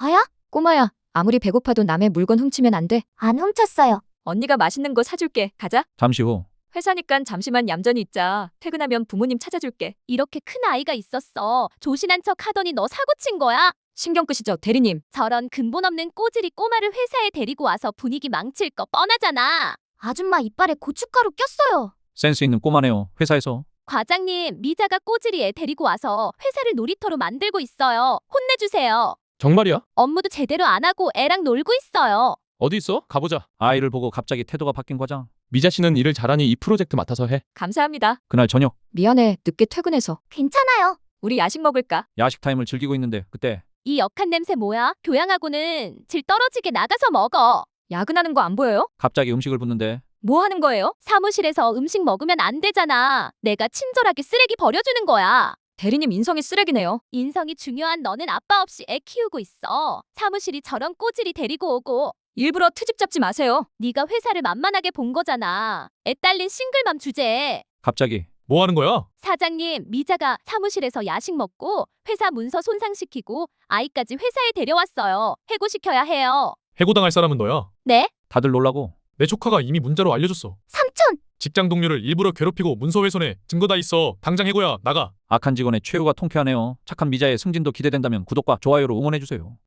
아야? 꼬마야, 아무리 배고파도 남의 물건 훔치면 안 돼. 안 훔쳤어요. 언니가 맛있는 거 사줄게. 가자. 잠시 후 회사니깐 잠시만 얌전히 있자. 퇴근하면 부모님 찾아줄게. 이렇게 큰 아이가 있었어. 조신한 척 하더니 너 사고 친 거야? 신경 끄시죠, 대리님. 저런 근본 없는 꼬질이 꼬마를 회사에 데리고 와서 분위기 망칠 거 뻔하잖아. 아줌마 이빨에 고춧가루 꼈어요. 센스 있는 꼬마네요. 회사에서 과장님, 미자가 꼬질이 애 데리고 와서 회사를 놀이터로 만들고 있어요. 혼내주세요. 정말이야? 업무도 제대로 안 하고 애랑 놀고 있어요. 어디 있어? 가보자. 아이를 보고 갑자기 태도가 바뀐 과장. 미자 씨는 일을 잘하니 이 프로젝트 맡아서 해. 감사합니다. 그날 저녁 미안해, 늦게 퇴근해서. 괜찮아요. 우리 야식 먹을까? 야식 타임을 즐기고 있는데 그때 이 역한 냄새 뭐야? 교양하고는 질 떨어지게 나가서 먹어. 야근하는 거 안 보여요? 갑자기 음식을 붓는데 뭐 하는 거예요? 사무실에서 음식 먹으면 안 되잖아. 내가 친절하게 쓰레기 버려주는 거야. 대리님 인성이 쓰레기네요. 인성이 중요한 너는 아빠 없이 애 키우고 있어. 사무실이 저런 꼬질이 데리고 오고 일부러 트집 잡지 마세요. 네가 회사를 만만하게 본 거잖아. 애 딸린 싱글맘 주제에. 갑자기 뭐 하는 거야? 사장님, 미자가 사무실에서 야식 먹고 회사 문서 손상시키고 아이까지 회사에 데려왔어요. 해고시켜야 해요. 해고당할 사람은 너야. 네? 다들 놀라고 내 조카가 이미 문자로 알려줬어. 삼촌! 직장 동료를 일부러 괴롭히고 문서 훼손해. 증거 다 있어. 당장 해고야. 나가. 악한 직원의 최후가 통쾌하네요. 착한 미자의 승진도 기대된다면 구독과 좋아요로 응원해주세요.